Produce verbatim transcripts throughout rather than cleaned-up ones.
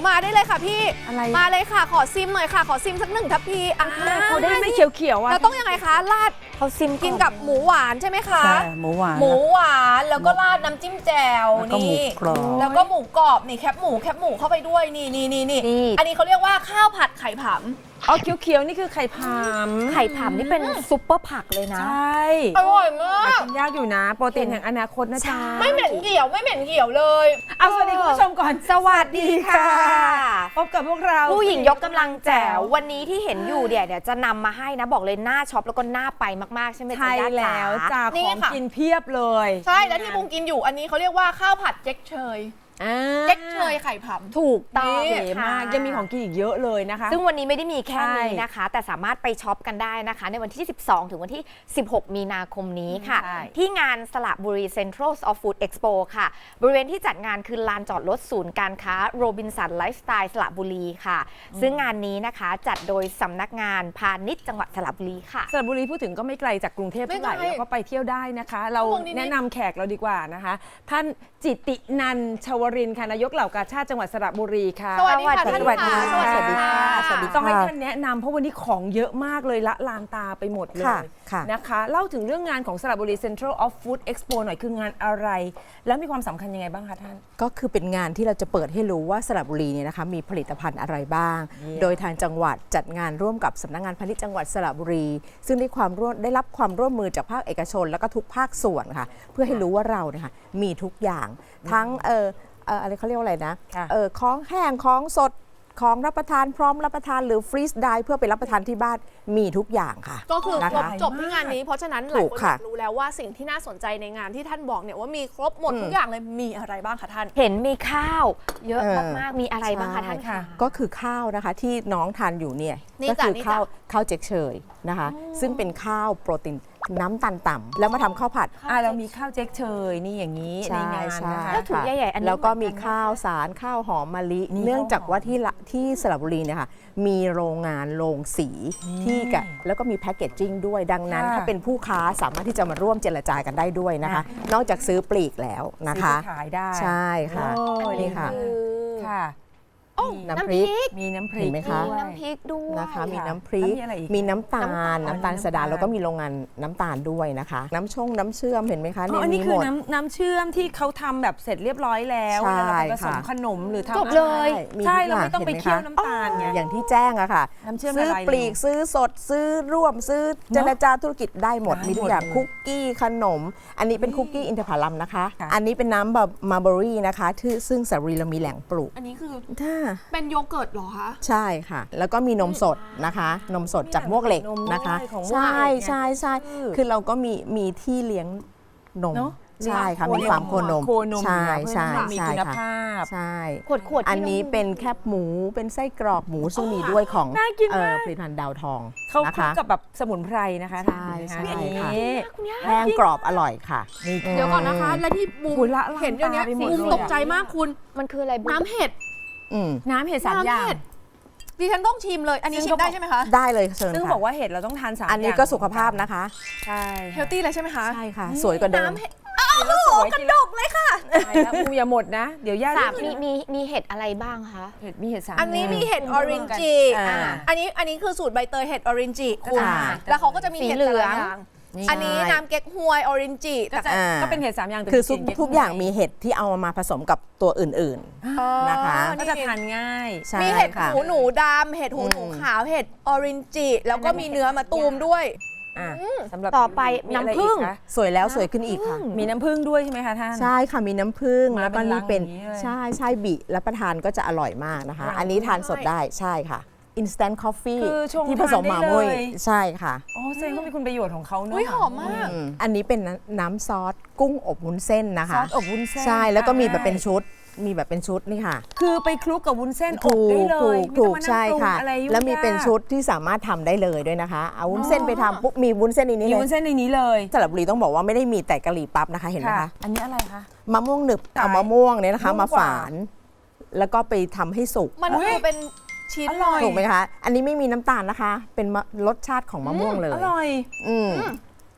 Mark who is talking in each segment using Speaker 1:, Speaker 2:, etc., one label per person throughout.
Speaker 1: มาได้เลยค่ะพี่
Speaker 2: อะไร
Speaker 1: มาเลยค่ะขอซิมหน่อยค่ะขอซิมสักหนึ่งทัพพีอ่ะ
Speaker 2: เขาได้ไม่เขียวๆอ่ะ
Speaker 1: เราต้องยังไงคะราด
Speaker 3: เขาซิม
Speaker 1: กินกับหมูหวานใช่ไหมคะ
Speaker 4: ใช่หมูหวาน
Speaker 1: หมูหวานแล้วก็ราดน้ำจิ้มแจ่ว
Speaker 4: แล้วก็หมู
Speaker 1: นี่
Speaker 4: กรอบ
Speaker 1: แล้วก็หมูกรอบนี่แคบหมูแคบหมูเข้าไปด้วยนี่นี่นี่นี่อันนี้เขาเรียกว่าข้าวผัดไข่ผำ
Speaker 2: อ๋อเขียวๆนี่คือไข่พาม
Speaker 3: ไข่ผำนี่เป็นซุปเปอร์ผักเลยนะ
Speaker 2: ใช่
Speaker 1: อร่อยมาก
Speaker 2: กินยากอยู่นะ โปรตีนแห่งอนาคตนะจ๊ะ
Speaker 1: ไม่เหม็นเหี่ยวไม่เหม็นเหี่ยวเลย
Speaker 2: เอาสวัสดีคุณผู้ชมก่อน
Speaker 3: สวัสดีค่ะ
Speaker 2: พบกับพวกเรา
Speaker 3: ผู้หญิงยกกำลังแจ๋ววันนี้ที่เห็นอยู่เดี๋ยวเดี๋ยวจะนำมาให้นะ บอกเลยหน้าช็อปแล้วก็หน้าไปมากๆ ใช่ไหม
Speaker 2: ใช่
Speaker 3: จ๊ะย่า
Speaker 2: แล้ว
Speaker 3: จ๋า
Speaker 2: จ้า
Speaker 1: นี่
Speaker 2: ของ
Speaker 1: ค่ะ
Speaker 2: กินเพียบเลย
Speaker 1: ใช่แล้วที่บุงกินอยู่อันนี้เขาเรียกว่าข้าวผัดเจ๊กเชย
Speaker 2: อ่า
Speaker 1: เจ๊กเชยไข่ผำ
Speaker 3: ถูกต้อง
Speaker 1: นี่
Speaker 2: เก๋มากยังมีของกินอีกเยอะเลยนะคะ
Speaker 3: ซึ่งวันนี้ไม่ได้มีแค่นี้
Speaker 2: ใช่
Speaker 3: นะคะ แต่สามารถไปช็อปกันได้นะคะ ในวันที่ สิบสอง ถึงวันที่ สิบหก มีนาคมนี้ค่ะ
Speaker 2: ใช่
Speaker 3: ที่งานสระบุรี Central of Food Expo ค่ะ บริเวณที่จัดงานคือลานจอดรถศูนย์การค้าโรบินสันไลฟ์สไตล์สระบุรีค่ะ ซึ่งงานนี้นะคะจัดโดยสำนักงานพาณิชย์จังหวัดสระบุรีค่ะ
Speaker 2: สระบุรีพูดถึงก็ไม่ไกลจากกรุงเทพเท่าไหร่
Speaker 1: ไม่ไกล
Speaker 2: แล้วก็ไปเที่ยวได้นะคะ เรา
Speaker 1: ชั่วโมงนิดๆ
Speaker 2: แนะนำแขกเราดีกว่านะคะ ท่านจิตตินันท์ชวรินทร์ค่ะนายกเหล่ากาชาติจังหวัดสระบุรีค่ะ
Speaker 1: สวัสดีค่ะ
Speaker 3: สวัสดี
Speaker 1: ท่าน
Speaker 3: สวัสดี
Speaker 1: ค่ะ
Speaker 3: ค่ะ
Speaker 1: สวัสดีค่ะ
Speaker 4: สวัสดี
Speaker 2: ต้องให้ท่านแนะนำเพราะวันนี้ของเยอะมากเลยละลานตาไปหมดเลย
Speaker 4: ค่ะค่ะ
Speaker 2: นะคะเล่าถึงเรื่องงานของสระบุรี Central of Food Expo หน่อยคืองานอะไร แล้วมีความสำคัญยังไงบ้างคะท่าน
Speaker 4: ก็คือเป็นงานที่เราจะเปิดให้รู้ว่าสระบุรีเนี่ยนะคะมีผลิตภัณฑ์อะไรบ้าง
Speaker 2: เยี่ยม
Speaker 4: โดยทางจังหวัดจัดงานร่วมกับสำนักงานพาณิชย์จังหวัดสระบุรี ซึ่งได้ความร่วมได้รับความร่วมมือจากภาคเอกชน แล้วก็ทุกภาคส่วนค่ะเพื่อให้รู้ว่าเราเนี่ยค่ะมีทุกอย่างทั้งเออเอ่ออะไรเขาเรียกว่าอะไรนะ
Speaker 2: ค่ะ
Speaker 4: เออของแห้งของสดของรับประทานพร้อมรับประทานหรือฟรีซได้เพื่อไปรับประทานที่บ้านมีทุกอย่างค่ะ
Speaker 1: ก็คือ
Speaker 4: นะ
Speaker 1: ครบ
Speaker 4: คะ
Speaker 1: จบที่งานนี้ เพราะฉะนั้นห
Speaker 4: ถู
Speaker 1: ลาย
Speaker 4: ก
Speaker 1: คนอ
Speaker 4: ค่ะ
Speaker 1: ยากรู้แล้วว่าสิ่งที่น่าสนใจในงานที่ท่านบอกเนี่ยว่ามีครบหมด
Speaker 4: อืม
Speaker 1: ทุกอย่างเลยมีอะไรบ้างคะท่าน
Speaker 3: เห็นมีข้าว เยอะ
Speaker 4: เออ
Speaker 3: มากๆ มีอะไรบ้างคะท่าน
Speaker 2: ค่ะ
Speaker 3: คะ
Speaker 4: ก็คือข้าวนะคะที่น้องทานอยู่เนี่ย
Speaker 1: นี่
Speaker 4: ก็
Speaker 1: จ้ะ
Speaker 4: คือ
Speaker 1: นี่จ้ะ
Speaker 4: ข้าวข้าวเจ๊กเชยนะคะ ซึ่งเป็นข้าวโปรตีนน้ำตาลต่ำแล้วมาทำข้าวผัด
Speaker 2: อ่าเรามีข้าวเจ๊กเชยนี่อย่างนี้ใน
Speaker 4: ใช่
Speaker 2: งาน
Speaker 4: ใช่
Speaker 2: นะคะ
Speaker 3: แล้วถุงใหญ่ๆอันนี้
Speaker 4: แล้วก็มี
Speaker 3: เหมือนกัน
Speaker 4: ข้าวสารข้าวหอมมะลิ
Speaker 2: นี่
Speaker 4: เนื่องจาก
Speaker 2: ข้าวหอม
Speaker 4: ว่าที่ละที่สระบุรีเนี่ยค่ะมีโรงงานโรงสีที่กะแล้วก็มีแพคเกจจิ้งด้วยดังนั้น
Speaker 2: ค่ะ
Speaker 4: ถ้าเป็นผู้ค้าสามารถที่จะมาร่วมเจรจากันได้ด้วยนะคะ นอกจากซื้อปลีกแล้วนะ
Speaker 2: ซื้อ
Speaker 4: คะ
Speaker 2: ไปขายได้
Speaker 4: ใช่ค่ะ
Speaker 2: โอ้
Speaker 4: นี่ค่ะ
Speaker 1: คือ
Speaker 2: ค่ะ
Speaker 1: โอ้
Speaker 4: น้ำพริก
Speaker 2: มีน้ำพริก
Speaker 4: เห็นไหมคะ
Speaker 2: ด้วย
Speaker 3: น้ำพริกด้วย
Speaker 4: นะคะ มี
Speaker 2: ค่ะ
Speaker 4: น้ำพริก
Speaker 2: แล้วมีอะไรอีก
Speaker 4: มีน้ำตาล
Speaker 2: น้ำตาล
Speaker 4: น้ำตาล
Speaker 2: น้ำ
Speaker 4: สดา
Speaker 2: ตาล
Speaker 4: แล้วก็มีโรงงานน้ำตาลด้วยนะคะ น้ำชงน้ำเชื่อมเห็นไหมคะ
Speaker 2: อ๋
Speaker 4: ใน
Speaker 2: ออันนี้
Speaker 4: นี้
Speaker 2: คื
Speaker 4: ห
Speaker 2: อ
Speaker 4: มด
Speaker 2: น้ำน้ำเชื่อมที่เขาทำแบบเสร็จเรียบร้อยแล้ว
Speaker 4: ใช่
Speaker 2: แล้วเราไปผสม
Speaker 4: ค่ะ
Speaker 2: ขนมหรือทำ
Speaker 3: จบเลย
Speaker 4: มี
Speaker 2: ใช่
Speaker 4: ทุก
Speaker 2: เรา
Speaker 4: อย่
Speaker 2: ไม่ต้องไป
Speaker 4: ห็ห
Speaker 2: เคี่ยว
Speaker 4: คะ
Speaker 2: น้ำตาลไง
Speaker 4: อย่างที่แจ้งอะค่ะ
Speaker 2: น้ำเชื่อม
Speaker 4: ซื้อ
Speaker 2: ละลาย
Speaker 4: ปลีกซื้อสดซื้อร่วมซื้อเจรจาธุรกิจได้หมด
Speaker 2: ได้
Speaker 4: มีทุกอย่าง
Speaker 2: หมดเลย
Speaker 4: คุกกี้ขนม อันนี้เป็นคุกกี้อินทผลัมนะคะ
Speaker 2: ค่ะ
Speaker 4: อันนี้เป็นน้ำแบบมาร์เบอรี่นะคะที่ซึ่งสระบุรีเรามีแหล่งปลูก
Speaker 1: อันนี้คือ
Speaker 4: ค่ะ
Speaker 1: เป็นโยเกิร์ตเหรอคะ
Speaker 4: ใช่ค่ะ แล้วก็มีนมสดนะคะ นมสดจากมวกเหล็ก
Speaker 2: นมด้วย
Speaker 4: นะคะ
Speaker 2: ของมวก
Speaker 4: ใช่
Speaker 2: เหล็กไง
Speaker 4: ใช่ใช่
Speaker 2: คือ
Speaker 4: คือเราก็มีมีที่เลี้ยงนม
Speaker 2: เนอะ
Speaker 4: ใช่ค่ะ
Speaker 2: เลี้
Speaker 4: มี
Speaker 2: ยง
Speaker 4: ฟาร์มโคนม
Speaker 2: โคนม
Speaker 4: ใช่
Speaker 2: อยู่
Speaker 4: ใช่
Speaker 2: แล้วเพื่อห้มี
Speaker 4: ใช่
Speaker 2: คุณ
Speaker 4: ค่ะ
Speaker 2: ภาพ
Speaker 4: ใช่
Speaker 3: ขวดขวดๆที่
Speaker 4: อันนี้เป็นแคบหมูเป็นไส้กรอกหมูซึ่งมีด้วยของ
Speaker 2: น่ากิน
Speaker 4: เอ่
Speaker 2: มา
Speaker 4: อก ผลิตภัณฑ์ดาวทอง
Speaker 2: เขา
Speaker 4: นะ
Speaker 2: คลุก
Speaker 4: คะ
Speaker 2: กับแบบสมุนไพรนะคะ
Speaker 4: ใช่ใช่
Speaker 2: อันนี้
Speaker 4: ค่ะ
Speaker 3: คุณย่า
Speaker 4: แห้งกรอบอร่อยค่ะ
Speaker 1: เดี๋ยวก่อนนะคะ และที่บูม
Speaker 2: คุณละลาน
Speaker 1: เห็นอย่างเนี้ย
Speaker 2: ตาไปหมด
Speaker 1: บูม
Speaker 2: เลย
Speaker 1: ตกใจมากคุณ
Speaker 3: มันคืออะไรบุ๊ค
Speaker 1: น้ำเห็ด
Speaker 4: อืม
Speaker 2: น้ำเห็ดสามอย่าง
Speaker 1: น้ำเห็ดดิฉันต้องชิมเลย อันนี้
Speaker 2: ซึ่ง
Speaker 1: ชิมได้
Speaker 2: เขาบอก
Speaker 1: ใช่ไหมคะ
Speaker 4: ได้เลยเชิญ
Speaker 2: ซึ่ง
Speaker 4: ค่ะ
Speaker 2: บอกว่าเห็ดเราต้องทานสาม
Speaker 4: อันนี้
Speaker 2: ย่าง
Speaker 4: ก็สุขภาพนะคะ
Speaker 2: ใช่
Speaker 1: เฮลตี้เลยใช่ไหมคะ
Speaker 4: ใช่ค่ะ สวยกว่าเดิม
Speaker 1: น้ำเห็ด
Speaker 2: แล้วสวยกระดกเลยค่ะแล้วมูอย่าหมดนะ เดี๋ยวย่า
Speaker 3: สาม
Speaker 2: จะ
Speaker 3: มีมีมีเห็ดอะไรบ้างคะ
Speaker 2: เห็ดมีเห็ดสาม
Speaker 1: อันนี้มีเห็ดออรินจิ
Speaker 4: อ่า
Speaker 1: อันนี้อันนี้คือสูตรใบเตยเห็ดออรินจิคุณ
Speaker 4: อ่า
Speaker 1: แล้วเขาก็จะมี
Speaker 3: สี
Speaker 1: เห็ด
Speaker 3: เหลื
Speaker 1: แต่
Speaker 3: อง
Speaker 1: ละอย่าง
Speaker 4: นี่
Speaker 1: อันนี้
Speaker 4: ใช่
Speaker 1: น้ำเก๊กฮวยออรินจิ
Speaker 2: ก็จะ
Speaker 4: อ่า
Speaker 2: ก็เป็นเห็ดสามอย่างแต่
Speaker 4: คือทุก
Speaker 2: ลิ่น
Speaker 4: ทุกอย่างมีเห็ดที่เอามาผสมกับตัวอื่น นะคะ
Speaker 2: ก็จะทานง่าย
Speaker 4: ๆ ใช่
Speaker 1: มีเห็ด
Speaker 4: ค่ะ
Speaker 1: หูหนูดำเห็ดหูหนู
Speaker 4: อืม
Speaker 1: ขาวเห็ดออรินจิแล้วก็มีเนื้อมาตูมด้วย
Speaker 2: อ่ะสำหรับ
Speaker 3: ต่อไป
Speaker 2: มีอะไร
Speaker 3: น้ำผึ้ง
Speaker 2: อีกคะ
Speaker 4: สวยแล้วสวยขึ้นอีกค่ะ
Speaker 2: มีน้ำผึ้งด้วยใช่ไหมคะท่าน
Speaker 4: ใช่ค่ะมีน้ำผึ้ง
Speaker 2: มา
Speaker 4: แล้วก็
Speaker 2: เป็นลั
Speaker 4: นี่
Speaker 2: ง
Speaker 4: เป็น
Speaker 2: อย่างนี้เลย
Speaker 4: ใช่ใช่บิรับประทานก็จะอร่อยมากนะคะ
Speaker 2: อร่อย
Speaker 4: อันนี้ทานสดได้ใช่ค่ะ instant coffee
Speaker 2: คือชง
Speaker 4: ที่ผสม
Speaker 2: ทาน
Speaker 4: ห
Speaker 2: ได้
Speaker 4: มามุ้ย
Speaker 2: เลย
Speaker 4: ใช่ค่ะ
Speaker 2: อ๋อแสดงว่ามีคุณประโยชน์ของเขาเนอะ
Speaker 1: อุ้ยหอมมาก
Speaker 4: อืมอันนี้เป็นน้ำซอสกุ้งอบวุ้นเส้นนะ
Speaker 2: ซ
Speaker 4: คะ
Speaker 2: อสอบวุ้นเส้น
Speaker 4: ใช่แล้วก็มีแบบ
Speaker 2: ได้
Speaker 4: เป็นชุดมีแบบเป็นชุดนี่ค่ะ
Speaker 2: คือไปคลุกกับวุ้นเส้นอบ
Speaker 4: ถู
Speaker 2: ได้
Speaker 4: ก
Speaker 2: เล
Speaker 4: ถู
Speaker 2: ย
Speaker 4: กถูก
Speaker 2: ไม่ต้องมานั่ง
Speaker 4: ใช่
Speaker 2: ปรุง
Speaker 4: ค่ะ
Speaker 2: อะไรยุ่ง
Speaker 4: แล้วมีเป็น
Speaker 2: ยาก
Speaker 4: ชุดที่สามารถทำได้เลยด้วยนะคะ เอาวุ้นเส้นไปทำปุ๊บมีวุ้นเส้นในนี้
Speaker 2: มี
Speaker 4: เล
Speaker 2: วุ้
Speaker 4: ย
Speaker 2: นเส้นในนี้เลย
Speaker 4: สระบุรีต้องบอกว่าไม่ได้มีแต่กะหรี่ปั๊บนะคะเห็นไหมคะ
Speaker 2: อันนี้อะไรคะ
Speaker 4: มะม่วงหนึบ
Speaker 2: ตาย
Speaker 4: เอามะม่วงเนี่ยนะคะ
Speaker 2: นุ่ม
Speaker 4: มาก
Speaker 2: ว่า
Speaker 4: ฝาน แล้วก็ไปทำให้สุก
Speaker 1: มันคือเป็นชิ้น
Speaker 2: อร่อย
Speaker 4: ถูกไหมคะ อันนี้ไม่มีน้ำตาลนะคะ เป็นมะรสชาติของมะม่วงเลย
Speaker 2: อร่อย
Speaker 4: อืม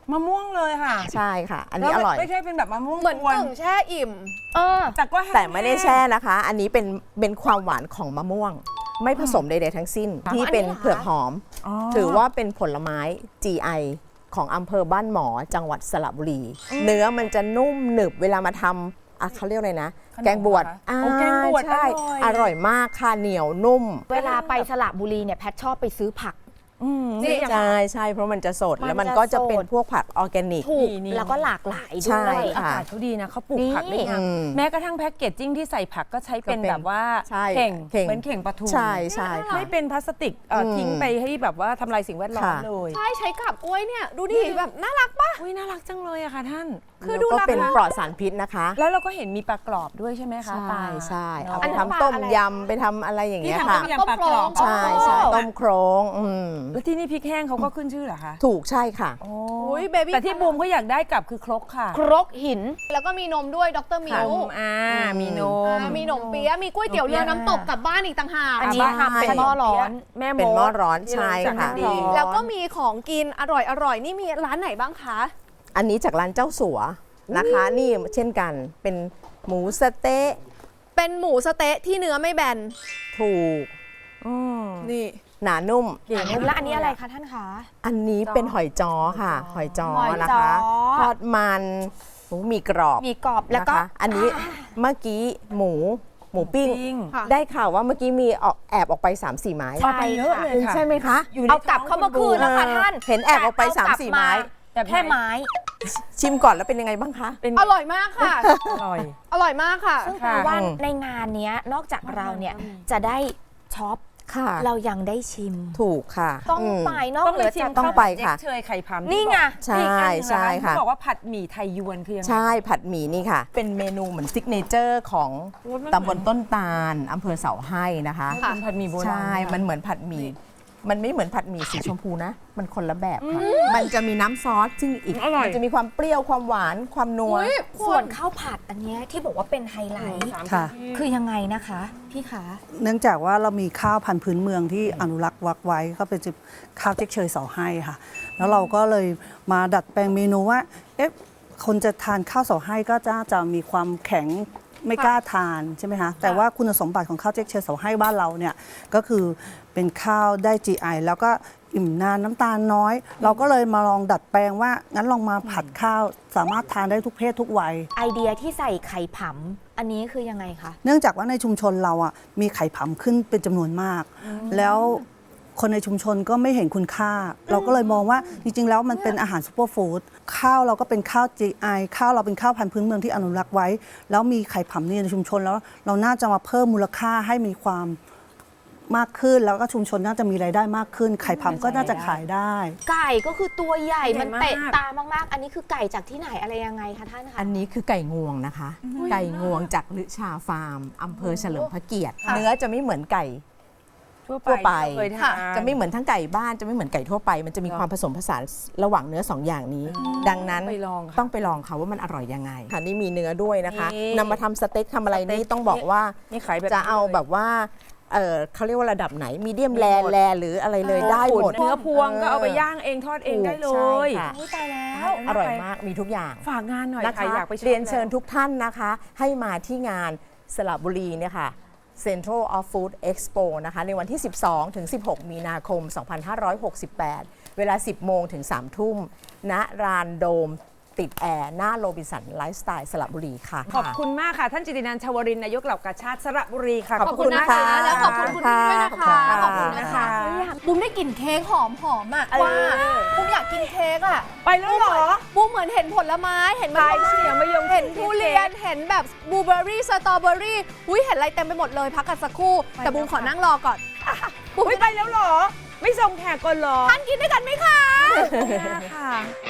Speaker 2: มะม่วงเลยค่ะ
Speaker 4: ใช่ค่ะ อันนี้อร่อย
Speaker 2: ไม่ใช่เป็นแบบมะม่วง
Speaker 1: เหมือน
Speaker 2: กวน
Speaker 1: กึ่งแช่อิ่ม
Speaker 3: เออ
Speaker 2: แต่ก็ห้ง
Speaker 4: แต่ไม่ได้แช่นะคะ อันนี้เป็นเป็นความหวานของมะม่วง ไม่ผสมใดๆทั้งสิ้น ที่เป็นเผือกหอม
Speaker 2: อ๋อ
Speaker 4: ถือว่าเป็นผลไม้ จี ไอ ของอำเภอบ้านหมอจังหวัดสระบุรี เนื้อมันจะนุ่มหนึบเวลามาทำอ่ะเขาเรียกอะไรนะ
Speaker 2: ขนม
Speaker 4: แกงบวช
Speaker 2: เหรอคะ
Speaker 4: อ่า
Speaker 2: โอ้แกงบวช
Speaker 4: ใช่
Speaker 2: อร่อย
Speaker 4: อร่อยมากค่ะเหนียวนุ่ม
Speaker 3: เวลาไปสระบุรีเนี่ยแพทชอบไปซื้อผัก
Speaker 2: อืม
Speaker 1: นี่
Speaker 2: อย่าง
Speaker 4: ใช่ใช่เพราะมันจะสด
Speaker 3: มัน
Speaker 4: แล้วมัน
Speaker 3: จะ
Speaker 4: ก็จะเป็น
Speaker 3: สด
Speaker 4: พวกผักออร์แกนิก
Speaker 3: ถูก
Speaker 2: นี่
Speaker 3: แล้วก็หลากหลาย
Speaker 4: ใช่
Speaker 3: ด้วย
Speaker 2: อา
Speaker 4: ค่ะ
Speaker 2: กาศเขาดีนะเขาปลูก
Speaker 3: นี่
Speaker 2: ผักได้งาม
Speaker 4: อืม
Speaker 2: แม้กระทั่งแพ็กเกจจิ้งที่ใส่ผักก็ใช้เป็น
Speaker 4: ก็เป็น
Speaker 2: แบบว่า
Speaker 4: ใช่
Speaker 2: เข่ง
Speaker 4: เข่ง
Speaker 2: เหมือนเข่งปลาทู
Speaker 4: ใช่ใช่ค่ะ
Speaker 2: ไม่เป็นพลาสติกเอ่ออ
Speaker 4: ม
Speaker 2: ทิ้งไปให้แบบว่าทำลายสิ่งแวดล้อม
Speaker 4: ค่ะ
Speaker 2: เลย
Speaker 1: ใช่ใช้กับกล้วยเนี่ย ดูดิแบบน่ารักปะ
Speaker 2: อุ้ยน่ารักจังเลยอะค่ะท่าน
Speaker 1: คือ
Speaker 4: แล้ว
Speaker 1: ดู
Speaker 4: ก็
Speaker 1: ราคา
Speaker 4: เป็นปลอดสารพิษนะคะ
Speaker 2: แล้วเราก็เห็นมีปลากรอบด้วยใช่ไหมคะ
Speaker 4: ใช่
Speaker 2: ปลา
Speaker 4: ใช่เอา
Speaker 2: เน
Speaker 4: ไป
Speaker 2: อะ
Speaker 4: ทำต้มยำไปทำอะไรอย่าง
Speaker 2: ที่
Speaker 4: เงี้ย
Speaker 2: ทำ
Speaker 4: ค่ะ
Speaker 2: ต้มยำปลากรอบ
Speaker 4: ใช่ใช่ต้มโครงอืม
Speaker 2: แล้วที่นี่พริกแห้งเขาก็ขึ้นชื่อเหรอคะ
Speaker 4: ถูกใช่ค่ะ
Speaker 2: โอ้
Speaker 1: อุ้ยเบบี้
Speaker 2: แต่ที่บูมเขาอยากได้กลับคือครกค่ะ
Speaker 3: ครกหิน
Speaker 1: แล้วก็มีนมด้วยดรมิ
Speaker 2: น
Speaker 1: ว
Speaker 2: มอ่ามีนม
Speaker 1: อ่ามีหนมเปี๊ยะมีก๋วยเตี๋ยวเรือน้ำตกกลับบ้านอีกต่างหาก
Speaker 3: อันนี้
Speaker 2: บ้าน
Speaker 3: ทำเป็นหม้อร้อน
Speaker 2: แม่
Speaker 4: เป็นหม้อร้อน
Speaker 2: ที่
Speaker 4: ใช่
Speaker 2: เรา
Speaker 4: ค่ะ
Speaker 2: จำดี
Speaker 1: แล้วก็มีของกินอร่อยอร่อยนี่มีร้านไหนบ้างคะ
Speaker 4: อันนี้จากร้านเจ้าสัวนะคะ นี่เช่นกันเป็นหมูสะเต๊ะ
Speaker 1: เป็นหมูสะเต๊ะที่เนื้อไม่แบน
Speaker 4: ถูก
Speaker 2: อืม
Speaker 1: นี่
Speaker 4: หนานุ่ม
Speaker 2: เก่ง
Speaker 3: แล้วอันนี้อะไรคะท่านคะ
Speaker 4: อันนี้เป็นหอยจ้อค่ะ หอยจ้อ
Speaker 3: หอยจ้อ
Speaker 4: นะคะทอดมันหมูมีกรอบ
Speaker 3: มีกรอบแล้วก็
Speaker 4: นะคะอันนี้เมื่อกี้หมูหมูปิ้ง
Speaker 2: ปิ้ง
Speaker 1: ค่ะ
Speaker 4: ได้ข่าวว่าเมื่อกี้มีออกแอบออกไป สามสี่ ไม้
Speaker 3: ใช่
Speaker 2: ไปเยอะเลยค่ะ
Speaker 4: ใช่ไหมคะ
Speaker 2: อยู่ใน
Speaker 3: เอากลับเข้ามาคืนแล้วค่ะท่าน
Speaker 4: เห็นแอบออกไป
Speaker 3: แต่
Speaker 4: สามสี่
Speaker 3: กลับ
Speaker 4: ไม้
Speaker 2: แบบ
Speaker 3: แค่ไม้
Speaker 4: ชิมก่อนแล้วเป็นยังไงบ้างคะ
Speaker 2: เป็น
Speaker 1: อร่อยมากค่ะ
Speaker 2: อร่อย
Speaker 1: อร่อยมากค่ะ
Speaker 3: ซึ่งแปลว่า
Speaker 4: อืม
Speaker 3: ในงานเนี้ยนอกจากเราเนี่ยจะได้ช็อป
Speaker 4: ค่ะ
Speaker 3: เรายังได้ชิม
Speaker 4: ถูกค่ะ
Speaker 3: ต้อง
Speaker 4: ม
Speaker 3: ไปนอก
Speaker 2: ต้อง
Speaker 3: เห
Speaker 2: ไป
Speaker 3: นือ
Speaker 2: ชิ
Speaker 3: จาม ก
Speaker 4: ต้องไปค่ะ
Speaker 2: เจ๊กเชยไข่พำ
Speaker 3: นี่ไง
Speaker 4: ใช่
Speaker 2: อีกอันหนึ่ง
Speaker 4: ใช่
Speaker 2: ร้าน
Speaker 4: ค่ะ
Speaker 2: ที่บอกว่าผัดหมี่ไทยยวนคือยังไง
Speaker 4: ใช่ผัดหมี่นี่ค่ะ เป็นเมนูเหมือนซิกเนเจอร์ของ
Speaker 2: โอ้ยมัน
Speaker 4: ตำบลต้นตาลอำเภอเสาให้นะคะ
Speaker 2: เป็นผัดหมี่โบราณ
Speaker 4: ใช่ มันเหมือนผัดหมี่ มันไม่เหมือนผัดหมี่สีชมพูนะ มันคนละแบบค่ะ มันจะมีน้ำซอสซึ่งอีก
Speaker 2: อร่อย
Speaker 4: มันจะมีความเปรี้ยว ความหวาน ความนัว
Speaker 3: ส่วนข้าวผัดอันเนี้ยที่บอกว่าเป็นไฮไลท์
Speaker 5: ค่ะ
Speaker 3: คือยังไงนะคะ พี่คะ
Speaker 5: เนื่องจากว่าเรามีข้าวพันธุ์พื้นเมืองที่อนุรักษ์วักไว้ก็เป็นข้าวเจ๊กเชยเสาให้ค่ะ แล้วเราก็เลยมาดัดแปลงเมนูว่าเอ๊ะคนจะทานข้าวเสาให้ก็จะจะมีความแข็งไม่กล้าทานใช่ไหมคะแต่ว่าคุณสมบัติของข้าวเจ๊กเชยเสาให้บ้านเราเนี่ยก็คือเป็นข้าวได้ จี ไอ แล้วก็อิ่มนานน้ำตาลน้อย เราก็เลยมาลองดัดแปลงว่างั้นลองมาผัดข้าวสามารถทานได้ทุกเพศทุกวัย
Speaker 3: ไอเดียที่ใส่ไข่ผำอันนี้คือยังไงคะ
Speaker 5: เนื่องจากว่าในชุมชนเราอ่ะมีไข่ผำขึ้นเป็นจำนวนมาก แล้วคนในชุมชนก็ไม่เห็นคุณค่า เราก็เลยมองว่าจริง ๆ แล้วมันเป็นอาหารซูเปอร์ฟู้ดข้าวเราก็เป็นข้าว จี ไอ ข้าวเราเป็นข้าวพันธุ์พื้นเมืองที่อนุรักษ์ไว้ แล้วมีไข่ผำนี่ในชุมชนแล้วเราน่าจะมาเพิ่มมูลค่าให้มีความมากขึ้น แล้วก็ชุมชนน่าจะมีรายได้มากขึ้น ไข่ผำก็น่าจะขายได้
Speaker 3: ไก่ก็คือตัวใหญ่
Speaker 2: ใหญ่
Speaker 3: มัน
Speaker 2: มาก
Speaker 3: เตะตามากๆ อันนี้คือไก่จากที่ไหนอะไรยังไงคะท่านคะ
Speaker 4: อันนี้คือไก่งวงนะคะ ไก่งวงจากลือชาฟาร์มอำเภอเฉลิมพระเกียรติ เนื้อจะไม่เหมือนไก่
Speaker 2: ทั่ว
Speaker 4: ทั่วไป
Speaker 2: ที่เราเคยทาน
Speaker 4: จะไม่เหมือนทั้งไก่บ้านจะไม่เหมือนไก่ทั่วไป มันจะมีความผสมผสานระหว่างเนื้อสองอย่างนี้ ดังนั้น
Speaker 2: ไปลองค่ะ
Speaker 4: ต้องไปลองค่ะว่ามันอร่อยยังไงค่ะนี่มีเนื้อด้วยนะคะ
Speaker 2: นี่
Speaker 4: นำมาทำสเต็กทำอะไร
Speaker 2: สเต็
Speaker 4: นี่
Speaker 2: ก
Speaker 4: ต้องบอกว่า
Speaker 2: นี่ขายแบบ
Speaker 4: จะเอา
Speaker 2: นี้ลย
Speaker 4: แบบว่าเออเขาเรียกว่าระดับไหนมีเดียมแร
Speaker 2: หมด
Speaker 4: แรหรืออะไรเลยได้หมด
Speaker 2: เนื้อพวงก็เอาไปย่างเองทอดเองได้เล
Speaker 4: ใช่
Speaker 2: ย
Speaker 4: ค่ะ
Speaker 3: อุ๊ยตายแล้ว
Speaker 4: อร่อยมากมีทุกอย่าง
Speaker 2: ฝากงานหน่อย
Speaker 4: นะ
Speaker 2: ใคร
Speaker 4: คะ
Speaker 2: อยากไปชม
Speaker 4: เรียนเชิญ
Speaker 2: แล้ว
Speaker 4: ทุกท่านนะคะ ให้มาที่งานสระบุรีเนี่ยค่ะ Central of Food Expo นะคะในวันที่ สิบสองถึงสิบหก มีนาคม สองพันห้าร้อยหกสิบแปด เวลา สิบโมงถึงสามทุ่มณลานโดมติดแอร์หน้าโรบินสันไลฟ์สไตล์สระบุรีค่ะ
Speaker 2: ขอบคุณมากค่ะ ท่านจิตินันท์ชวรินทร์นายกเหล่ากาชาติสระบุรีค่ะ
Speaker 4: ขอบคุณ
Speaker 1: นะคะ
Speaker 4: ค่ะ
Speaker 1: แล้วขอบคุณคุณพี่ด้วยนะคะ
Speaker 4: ค่ะ
Speaker 1: ขอบคุณนะคะ
Speaker 2: ค่ะ
Speaker 1: บุ้มได้กลิ่นเค้กหอมหอมๆอ่ะ
Speaker 2: เออ
Speaker 1: ว่าบุ้มอยากกินเค้กอ่ะ
Speaker 2: ไปแล้วเหรอ
Speaker 1: บุ้มเหมือนเห็นผลไม้เห็นมะ
Speaker 2: ใช่
Speaker 1: ยง
Speaker 2: เสียงมะยง
Speaker 1: เห็นทุเรียนเห็นแบบบลูเบอร์รี่สตรอเบอร์รี่อุ้ยเห็นอะไรเต็มไปหมดเลยพักกันสักครู่ แต่บุ้มขอนั่งรอก่อน
Speaker 2: บุ้ยไปแล้วเหรอ ไม่ส่งแขกก่อนเหรอ
Speaker 1: ท่านกินด้วยกันไหมคะ
Speaker 2: ค่ะ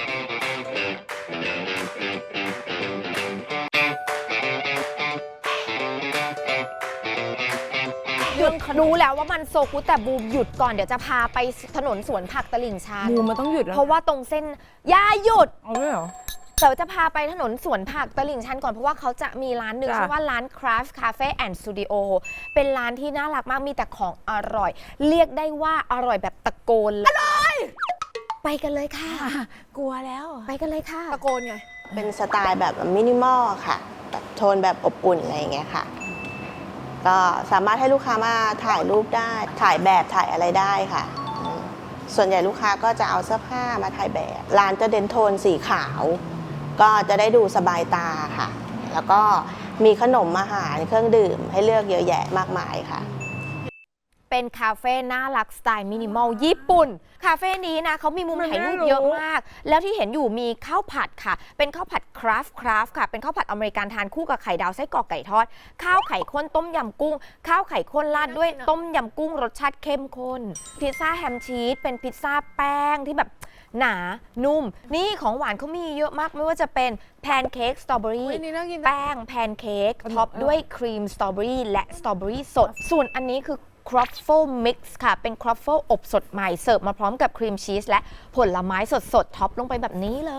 Speaker 3: หยุดรู้แล้วว่ามันโซกุแต่บูมหยุดก่อนเดี๋ยวจะพาไปถนนสวนผักตลิ่งชัน
Speaker 2: บูมมันต้องหยุดแล้ว
Speaker 3: เพราะว่าตรงเส้นอย่าหยุด
Speaker 2: เอาด้วยเหรอ
Speaker 3: เดี๋ยวจะพาไปถนนสวนผักตลิ่งชันก่อนเพราะว่าเขาจะมีร้านหนึ่ง
Speaker 2: จ้ะ
Speaker 3: ชื่อว่าร้าน Craft Cafe and Studio เป็นร้านที่น่ารักมากมีแต่ของอร่อย เรียกได้ว่าอร่อยแบบตะโกนเลยไปกันเลยค่ะ
Speaker 2: กลัวแล้ว
Speaker 3: ไปกันเลยค่ะ
Speaker 1: ตะโกนไง
Speaker 6: เป็นสไตล์แบบมินิมอลค่ะแบบโทนแบบอบอุ่นอะไรอย่างเงี้ยค่ะ ก็สามารถให้ลูกค้ามาถ่ายรูปได้ ถ่ายแบบถ่ายอะไรได้ค่ะอืมส่วนใหญ่ลูกค้าก็จะเอาเสื้อผ้ามาถ่ายแบบ ร้านจะเด่นโทนสีขาว ก็จะได้ดูสบายตาค่ะ แล้วก็มีขนมอาหารเครื่องดื่มให้เลือกเยอะแยะมากมายค่ะ
Speaker 3: เป็นคาเฟ่น่ารักสไตล์มินิมอลญี่ปุ่น คาเฟ่นี้นะเขามีมุมถ่ายรูปเยอะมาก แล้วที่เห็นอยู่มีข้าวผัดค่ะ เป็นข้าวผัดคราฟต์คราฟต์ค่ะ เป็นข้าวผัดอเมริกันทานคู่กับไข่ดาวไส้กรอกไก่ทอด ข้าวไข่ข้นต้มยำกุ้ง ข้าวไข่ข้นราดด้วยต้มยำกุ้งรสชาติเข้มข้น พิซซ่าแฮมชีส เป็นพิซซ่าแป้งที่แบบหนา นุ่ม นี่ของหวานเขามีเยอะมาก ไม่ว่าจะเป็นแพนเค้กสตรอเบอรี่
Speaker 1: อุ๊ยนี่น่ากินนะ
Speaker 3: แป้งแพนเค้กท็อปด้วยครีมสตรอเบอรี่และสตรอเบอรี่สด ส่วนอันนี้คือครอฟเฟิลมิกซ์ค่ะ เป็นครอฟเฟิลอบสดใหม่ เสิร์ฟมาพร้อมกับครีมชีสและผลไม้สดๆท็อปลงไปแบบนี้เลย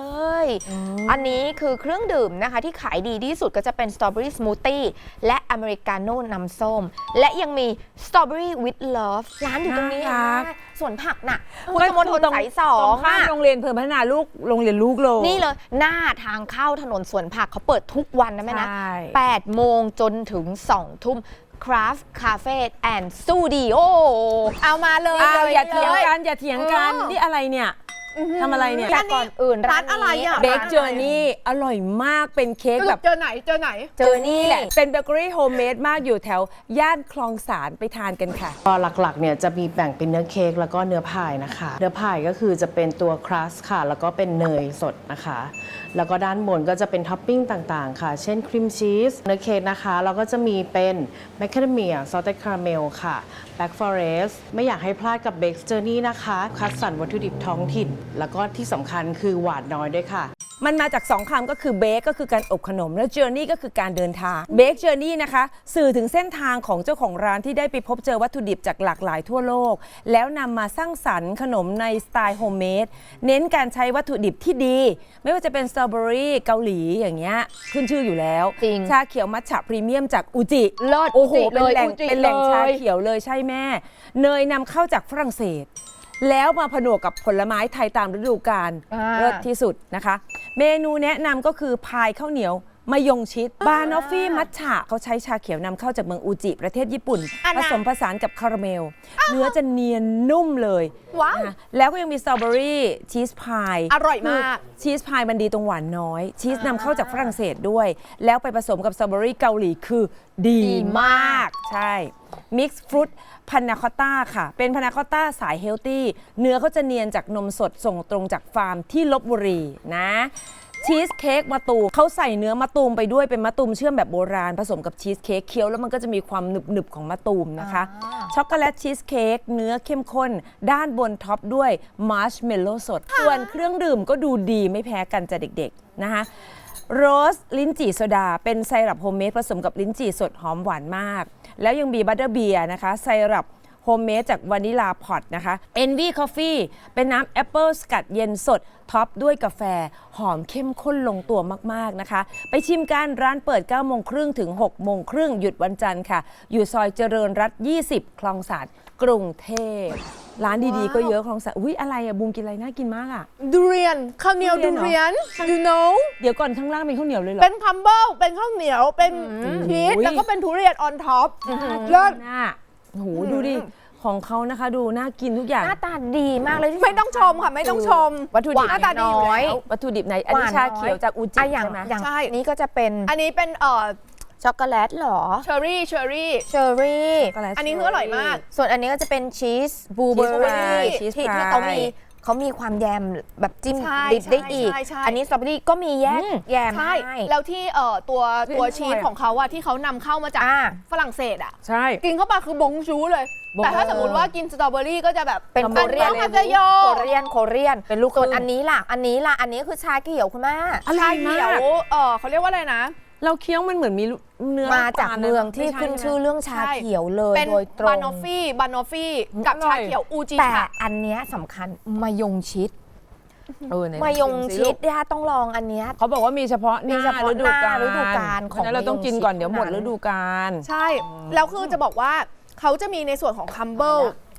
Speaker 3: อันนี้คือเครื่องดื่มนะคะที่ขายดีที่สุดก็จะเป็นสตรอเบอรี่สมูทตี้และอเมริกาโน่น้ำส้ม และยังมีสตรอเบอรี่วิดเลิฟร้านอยู่ตรงนี้
Speaker 2: น่ารัก
Speaker 3: นะส่วนผักน่ะพุทธมณฑลสายสอ
Speaker 2: ตรง งข้าม
Speaker 3: อะ
Speaker 2: โรงเรียนเพิ่มพัฒนาลูกโรงเรียนลูกเลย
Speaker 3: นี่เลยหน้าทางเข้าถนนสวนผักเขาเปิดทุกวันนะแม่นะ
Speaker 2: ใช่
Speaker 3: แปดโมงจนถึงสองทุ่ม Craft Cafe and Studio
Speaker 1: เอามาเลย
Speaker 2: อ้าว
Speaker 1: ล
Speaker 2: อย่าเถียง
Speaker 1: ล
Speaker 2: กันอย่าเถียงกัน
Speaker 1: เออ
Speaker 2: นี่อะไรเนี่ยทำอะไรเนี่ย
Speaker 3: แต่ก่อนอื่น
Speaker 1: ร้านอะไรอะ
Speaker 2: เบคเจอร์นี่อร่อยมากเป็นเค้ก
Speaker 1: ส
Speaker 2: แบ
Speaker 1: รุ
Speaker 2: บ
Speaker 1: ปเจอไหนเจอไหน
Speaker 3: เจอนี่แหละ
Speaker 2: เป็นเบเกอรี่โฮมเมดมากอยู่แถว ย่านคลองสารไปทานกันค่ะ
Speaker 7: ก็หลักๆเนี่ยจะมีแบ่งเป็นเนื้อเค้กแล้วก็เนื้อพายนะคะ เนื้อพายก็คือจะเป็นตัวครัสค่ะ แล้วก็เป็นเนยสดนะคะ แล้วก็ด้านบนก็จะเป็นท็อปปิ้งต่างๆ ค่ะ เช่นครีมชีสเนื้อเค้กนะคะเราก็จะมีเป็นแมคคาเดเมียซอสเต็ดคาราเมลค่ะแบล็กฟอเรสต์ไม่อยากให้พลาดกับเบคเจอร์นี่นะคะคัดสรรวัตถุดิบท้องถิ่น แล้วก็ที่สำคัญคือหวานน้อยด้วยค่ะ
Speaker 2: มันมาจากสองคำก็คือเบคก็คือการอบขนม แล้วเจอร์นี่ก็คือการเดินทางเบคเจอร์นี่นะคะ สื่อถึงเส้นทางของเจ้าของร้านที่ได้ไปพบเจอวัตถุดิบจากหลากหลายทั่วโลก แล้วนำมาสร้างสรรค์ขนมในสไตล์โฮมเมดเน้นการใช้วัตถุดิบที่ดี ไม่ว่าจะเป็นสตรอเบอรี่เกาหลีอย่างเงี้ยขึ้นชื่ออยู่แล้ว
Speaker 3: จริง
Speaker 2: ชาเขียวมัทฉะพรีเมียมจากอูจิ
Speaker 3: เลิศ
Speaker 2: โอ้โห
Speaker 3: จิ
Speaker 2: เป็นแหล่ง
Speaker 3: เลยอูจิ
Speaker 2: เป็นแหล่งชา
Speaker 3: เลย
Speaker 2: เขียวเลยใช่แม่ เนยนำเข้าจากฝรั่งเศส แล้วมาผนวกกับผลไม้ไทยตามฤดูกาล
Speaker 3: อ่า
Speaker 2: เลิศที่สุดนะคะ เมนูแนะนำก็คือพายข้าวเหนียวมายงชิดบานอฟฟี่มัทฉะเขาใช้ชาเขียวนำเข้าจากเมืองอูจิประเทศญี่ปุ่น
Speaker 1: อัน
Speaker 2: ผ
Speaker 1: น่ะ
Speaker 2: สมผสานกับคาราเมล เนื้อจะเนียนนุ่มเลย
Speaker 1: ว้าว
Speaker 2: นะคะแล้วก็ยังมีสตรอเบอรี่ชีสพาย
Speaker 1: อร่อยมาก
Speaker 2: ชีสพายมันดีตรงหวานน้อย ชีสนำเข้าจากฝรั่งเศสด้วย แล้วไปผสมกับสตรอเบอรี่เกาหลีคือดีมาก ใช่มิกซ์ฟรุตพานาคอตต้าค่ะ เป็นพานาคอตต้าสายเฮลตี้เนื้อเขาจะเนียนจากนมสดส่งตรงจากฟาร์มที่ลบบุรีนะชีสเค้กมะตูมเขาใส่เนื้อมะตูมไปด้วยเป็นมะตูมเชื่อมแบบโบราณผสมกับชีสเค้กเคี้ยวแล้วมันก็จะมีความหนึบๆของมะตูมนะคะช็อกโกแลตชีสเค้กเนื้อเข้มข้น ด้านบนท็อปด้วยมาร์ชเมลโล่สด ส่วนเครื่องดื่มก็ดูดีไม่แพ้กันจ้ะเด็กๆนะคะโรสลิ้นจี่โซดาเป็นไซรัปโฮมเมดผสมกับลิ้นจี่สดหอมหวานมาก แล้วยังมีบัตเตอร์เบียร์นะคะไซรัปโฮมเมดจากวานิลาพอตนะคะ Envy Coffee เป็นน้ำแอปเปิลสกัดเย็นสด ท็อปด้วยกาแฟหอมเข้มข้นลงตัวมากๆนะคะ ไปชิมกันร้านเปิดเก้าโมงครึ่งถึงหกโมงครึ่งหยุดวันจันทร์ค่ะ อยู่ซอยเจริญรัตน์ยี่สิบคลองสานกรุงเทพร้านดีๆก็เยอะคลองสานอุ้ยอะไรอะบูมกินอะไรน่ากินมากอะ
Speaker 1: ดูเรียนข้าวเหนียว
Speaker 2: ทุ
Speaker 1: ดู
Speaker 2: เรียน
Speaker 1: เรียน you know
Speaker 2: เดี๋ยวก่อนข้างล่างเป็นข้าวเหนียวเลยเหรอ
Speaker 1: เป็นคัมเบิลเป็นข้าวเหนียวเป็นชีส
Speaker 2: อุ้ย
Speaker 1: แล้วก็เป็นทุเรียนออนท็อปเลิศ
Speaker 2: หน้าโอ้โหดูดิของเขานะคะดูน่ากินทุกอย่าง
Speaker 3: หน้าตาดีมากเลยที่
Speaker 1: ไม่ต้องชมค่ะไม่ต้องชม
Speaker 2: วัตถุดิบ
Speaker 1: หน้าตาดีอยู่
Speaker 3: น้อย
Speaker 1: แล้ว
Speaker 2: วัตถุดิบไหนอันนี้
Speaker 3: หวาน
Speaker 2: ชาเขียวจากอูจิ
Speaker 3: อ่ะอย่าง
Speaker 2: ใช่ไหม
Speaker 3: อย่าง
Speaker 1: ใช่
Speaker 3: นี้ก็จะเป็น
Speaker 1: อันนี้เป็นเอ่อ
Speaker 3: ช็อกโกแลตเหรอ
Speaker 1: เชอร์รี่เชอร์รี่
Speaker 3: เชอร์รี่
Speaker 2: ช็อกโกแลต
Speaker 1: อันนี้คืออร่อยมาก
Speaker 3: ส่วนอันนี้ก็จะเป็นชีสบลูเบอร์รี่
Speaker 2: ชีส
Speaker 3: ที่
Speaker 2: พาย
Speaker 3: ที่เขามีเขามีความแยมแบบจิ้ม
Speaker 1: ใช่
Speaker 3: ดิบได้
Speaker 1: ใช่
Speaker 3: อีก
Speaker 1: ใช่ใช่
Speaker 3: อันนี้สตรอเบอรี่ก็มีแยกแยม
Speaker 1: ใช่
Speaker 3: ให้
Speaker 1: แล้วที่เอ่อตัวตัว
Speaker 2: อร่อย
Speaker 1: ชีสของเขาอะที่เขานำเข้ามาจาก
Speaker 3: อ่า
Speaker 1: ฝรั่งเศสอะ
Speaker 2: ใช่
Speaker 1: กินเข้าไปคือบงชูเลย
Speaker 2: บง
Speaker 1: แต่ถ้าสมมติว่ากินสตรอเบอรี่ก็จะแบบ
Speaker 3: เป็นโคเรียน
Speaker 1: คาเซโย
Speaker 3: โคเรียนโคเรียน
Speaker 2: เป็นลูกครึ่ง
Speaker 3: ส่วนอันนี้ล่ะ อันนี้ล่ะ อันนี้คือชาเขียวคุณแม่
Speaker 2: อร่
Speaker 1: ชา
Speaker 2: อยมา
Speaker 1: เขียว
Speaker 2: ก
Speaker 1: เออเขาเรียกว่าอะไรนะ
Speaker 2: เราเคี้ยวมันเหมือนมีเนื้อ
Speaker 3: มาจาก
Speaker 2: ปลนะ
Speaker 3: เมืองที่
Speaker 2: ไม่ใ
Speaker 3: ขึ้นชื่อเรื่องชา
Speaker 1: ใช่
Speaker 3: เขียวเลย
Speaker 1: เป็น
Speaker 3: โดยตรง
Speaker 1: บานอฟฟี่บานอฟฟี่กับ
Speaker 2: อร่
Speaker 1: ชา
Speaker 2: อย
Speaker 1: เขียวอูจิ
Speaker 3: แต่
Speaker 1: ค่ะ
Speaker 3: อันเนี้ยสำคัญมายงชิด
Speaker 2: เออไหน
Speaker 3: มายง
Speaker 2: สิ
Speaker 3: ชิ
Speaker 2: ลู
Speaker 3: ด
Speaker 2: ก
Speaker 3: ย่าต้องลองอันเนี้ย
Speaker 2: เขาบอกว่ามีเฉพาะห
Speaker 3: มี
Speaker 2: น้า
Speaker 3: เฉพาะ
Speaker 2: ฤดูกาล
Speaker 3: หน้าฤดูกาลของ
Speaker 2: เพราะฉะนั้นเราต้องกินก่อนเดี๋ยวหมด
Speaker 3: มะยงชิด
Speaker 2: ฤดูกาล
Speaker 1: ใช่ แล้วคือจะบอกว่าเขาจะมีในส่วนของคัมเบิล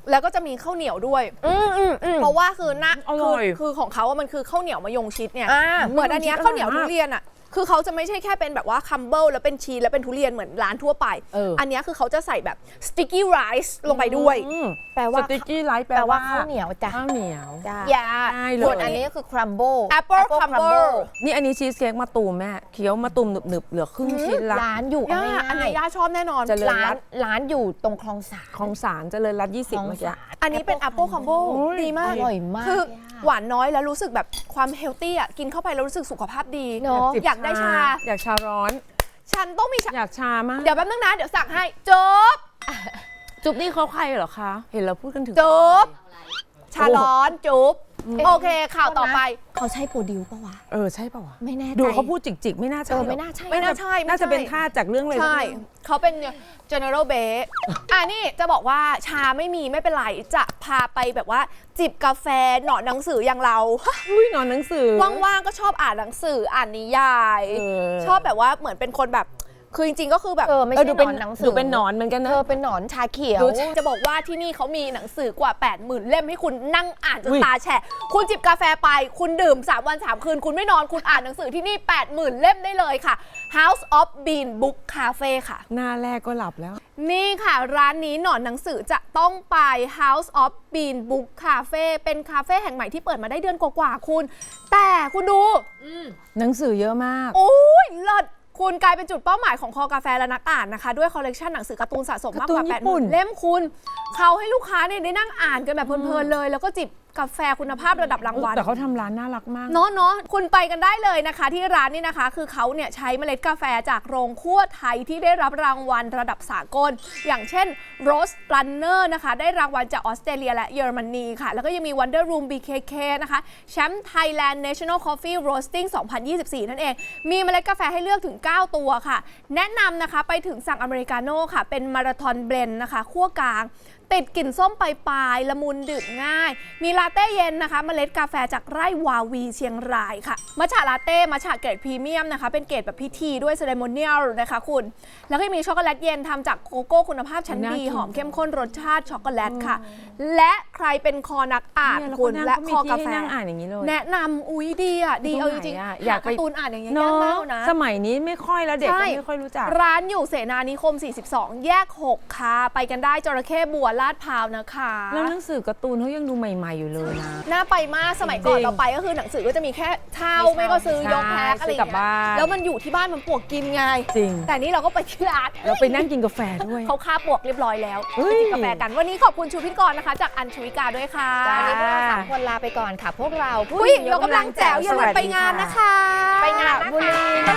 Speaker 1: แล้วก็จะมีข้าวเหนียวด้วย
Speaker 3: อืมอืมอืม
Speaker 1: เพราะว่าคือหน้า
Speaker 2: อร่
Speaker 1: คือ
Speaker 2: อย
Speaker 1: คือของเขาอะมันคือข้าวเหนียวมะยงชิดเนี่ย
Speaker 3: อ่า
Speaker 1: เหมือนอันเนี้ย
Speaker 2: มะยงชิด
Speaker 1: ข้าวเหนียว
Speaker 2: อร่
Speaker 1: ทุ
Speaker 2: อยมาก
Speaker 1: เรียนอ่ะคือเขาจะไม่ใช่แค่เป็นแบบว่าคัมเบิลแล้วเป็นชีสแล้วเป็นทุเรียนเหมือนร้านทั่วไป
Speaker 2: เอออั
Speaker 1: อันเนี้ยคือเขาจะใส่แบบสติ๊กกี้ไรซ์ลงไปด้วย
Speaker 2: อืม
Speaker 3: แปลว่า
Speaker 2: สติ๊กกี้ไลท์แป
Speaker 3: แป
Speaker 2: ล
Speaker 3: ลว่า
Speaker 2: ว่า
Speaker 3: ข้าวเหนียวจ้ะ
Speaker 2: ข้าวเหนียว
Speaker 3: จ้ะ
Speaker 1: อย่า
Speaker 2: ได้เลย
Speaker 3: ส่วนอันนี้ก็คือ crumble
Speaker 1: Apple crumble
Speaker 2: นี่อันนี้ชีสเค้กมะตูมแม่เคี้ยวมะตูมหนึบๆเหลือครึ่งชิ้นละ
Speaker 3: ร้านอยู่
Speaker 1: ย่า
Speaker 3: เอา
Speaker 1: อัน
Speaker 3: ง่า
Speaker 1: นี้
Speaker 3: ย
Speaker 1: ย่าชอบแน่นอน
Speaker 2: เจริญ
Speaker 3: ๆร้านร้านอยู่ตรงคลองสาน
Speaker 2: ของสารเจริญรัตน์ยี่สิบ
Speaker 3: คลอง
Speaker 2: เมื่อกี้
Speaker 3: สาน
Speaker 1: อันนี้เป็น Apple Combo
Speaker 2: โอ้ย
Speaker 1: ดีมาก
Speaker 3: อร่อยมาก
Speaker 1: คือ
Speaker 3: เลยอะ
Speaker 1: หวานน้อยแล้วรู้สึกแบบความเฮลตี้อ่ะกินเข้าไปแล้วรู้สึกสุขภาพดี
Speaker 3: เนอะ
Speaker 1: อยากได้ชา
Speaker 2: อยากชาร้อน
Speaker 1: ฉันต้องมีชา
Speaker 2: อยากชามาก
Speaker 1: เดี๋ยวแป๊บนึงนะ เดี๋ยวสั่งให้จบ
Speaker 2: จุ๊บนี่เขาใครเหรอคะ เห็นเราพูดกันถึง
Speaker 1: จบ ชาร้อนจุ๊บโอเค ข่าวต่อไป
Speaker 3: เขาใช่โปรดิวปะวะ
Speaker 2: เออใช่ป่าวะ
Speaker 3: ไม่แน่ใจ
Speaker 2: ดูเขาพูดจิกๆ ไม่น่าใช่
Speaker 3: เออ
Speaker 2: หร
Speaker 3: ไม่น่าใช่
Speaker 1: ไม่น่าใช่ไม่
Speaker 2: น่าจะ
Speaker 1: ใช่
Speaker 2: เป็นท่าจากเรื่องเลย
Speaker 1: ใช่ เขาเป็น general b a s อ่ะนี่จะบอกว่าชาไม่มีไม่เป็นไร จะพาไปแบบว่าจิบกาแฟหนอนหนังสืออย่างเรา
Speaker 2: อุ้ยนอนหนังสือ
Speaker 1: ว่างๆก็ชอบอ่านหนังสืออ่านนิยาย
Speaker 2: เออ
Speaker 1: ชอบแบบว่าเหมือนเป็นคนแบบคือจริงๆก็คือแบบ
Speaker 3: เออไม่
Speaker 2: เออ
Speaker 3: ใช่
Speaker 2: ดู
Speaker 3: หน
Speaker 2: เป็น
Speaker 3: อนหนังสือ
Speaker 2: ดูเป็นหนอนเหมือนกัน
Speaker 3: เอ
Speaker 2: นะ
Speaker 3: อเป็นหนอนชาเขียว
Speaker 2: ดู
Speaker 1: จะบอกว่าที่นี่เขามีหนังสือกว่า แปดหมื่น เล่มให้คุณนั่งอ่านจน
Speaker 2: อุ๊ย
Speaker 1: ตาแฉะคุณจิบกาแฟไป คุณดื่ม สาม วัน สาม คืน คุณไม่นอนคุณอ่านหนังสือที่นี่ แปดหมื่น เล่มได้เลยค่ะ House of Bean Book Cafe ค่ะ
Speaker 2: หน้าแรกก็หลับแล้ว
Speaker 1: นี่ค่ะ ร้านนี้หนอนหนังสือจะต้องไป House of Bean Book Cafe เป็นคาเฟ่แห่งใหม่ที่เปิดมาได้เดือนกว่าๆคุณ แต่คุณดู
Speaker 2: หนังสือเยอะมาก
Speaker 1: โอ้ยเลิศคุณกลายเป็นจุดเป้าหมายของคอกาแฟและนักอ่านนะคะ ด้วยคอลเลกชันหนังสือการ์ตูนสะสมมากกว่า
Speaker 2: การ์ตูน
Speaker 1: แป
Speaker 2: ญี่
Speaker 1: ดห
Speaker 2: ปุ่
Speaker 1: มื่
Speaker 2: น
Speaker 1: น เล่มคุณ เขาให้ลูกค้าเนี่ยได้นั่งอ่านกันแบบเพลินๆเลย แล้วก็จิบกาแฟคุณภาพระดับรางวัล
Speaker 2: แต่เขาทำร้านน่ารักมาก
Speaker 1: เนาะเนาะคุณไปกันได้เลยนะคะ ที่ร้านนี่นะคะ คือเขาเนี่ยใช้เมล็ดกาแฟจากโรงคั่วไทยที่ได้รับรางวัลระดับสากล อย่างเช่น Rose Runner นะคะ ได้รางวัลจากออสเตรเลียและเยอรมนีค่ะ แล้วก็ยังมี Wonder Room บี เค เค นะคะแชมป์ Thailand National Coffee Roasting สองพันยี่สิบสี่ นั่นเอง มีเมล็ดกาแฟให้เลือกถึง เก้า ตัวค่ะ แนะนำนะคะไปถึงสั่งอเมริกาโน่ค่ะ เป็นมาราธอนเบลนด์นะคะคั่วกลาง ติดกลิ่นส้มปลายๆละมุนดื่มง่าย มีลาเต้เย็นนะคะ เมล็ดกาแฟจากไร่วาวีเชียงรายค่ะ มัทฉะลาเต้มัทฉะเกรดพรีเมียมนะคะ เป็นเกรดแบบพิธีด้วยเซเลโมเนียลนะคะคุณ แล้วก็มีช็อกโกแลตเย็นทำจากโกโก้คุณภาพชั้น
Speaker 2: น่า
Speaker 1: ดี
Speaker 2: กิน
Speaker 1: หอมเข้มข้นรสชาติช็อกโกแลตค่ะ และใครเป็นคอนักอ่าน
Speaker 2: เนี่ยแล้ว
Speaker 1: คุณ
Speaker 2: ก็นั่ง
Speaker 1: และ
Speaker 2: ก็
Speaker 1: ค
Speaker 2: มี
Speaker 1: อ
Speaker 2: ที่
Speaker 1: กา
Speaker 2: ให้
Speaker 1: แฟ
Speaker 2: นั่งอ่านอย่างนี้เลย
Speaker 1: แนะนำอุ๊ยดีอ่ะดีเอาจริง
Speaker 2: ตรงไหนอะ
Speaker 1: ๆ
Speaker 2: อยากไป
Speaker 1: หการ์ตูนอ่านอย่างเงี้ย
Speaker 2: เนาะ
Speaker 1: ยากมากนะ
Speaker 2: สมัยนี้ไม่ค่อยแล้วเด็กก็
Speaker 1: ใช่
Speaker 2: ไม่ค่อยรู้จัก
Speaker 1: ร้านอยู่เสนานิคม สี่สิบสอง แยก หก ค่ะ ไปกันได้จระเข้บัวลาดพร้าวนะคะ
Speaker 2: แล้วหนังสือการ์ตูนเขายังดูใหม่ๆอยู่เลยนะ
Speaker 1: น่าไปมากสมัยก่อน
Speaker 2: จริง
Speaker 1: เราไปก็คือหนังสือก็จะมีแค่เช่า
Speaker 2: ไม่
Speaker 1: ไม่
Speaker 2: เช่า
Speaker 1: ก็ซื้อยก
Speaker 2: ใช่
Speaker 1: แพ็คอะไรอย่าง
Speaker 2: ซื้อกลับ
Speaker 1: เงี้
Speaker 2: บ้ายน
Speaker 1: แล้วมันอยู่ที่บ้านมันปวกกินไง
Speaker 2: จริง
Speaker 1: แต่นี่เราก็ไปที่ร้าน
Speaker 2: เราไปนั่งกินกาแฟด้วย
Speaker 1: เขาฆ่าปวกเรียบร้อยแล้ว
Speaker 2: เฮ้
Speaker 1: ไป
Speaker 2: ย
Speaker 1: จิบกาแฟกันวันนี้ขอบคุณชูพิทกรนะคะ จากอัญชวิกาด้วยค่ะ
Speaker 3: วันนี้พวกเราสามคนลาไปก่อนค่ะ พวกเรา
Speaker 1: ผู้หญิงเรากำลังแจ๋วอย่าลืมไปงานนะคะ
Speaker 3: ไปงานนะ
Speaker 2: บุรี
Speaker 3: คะ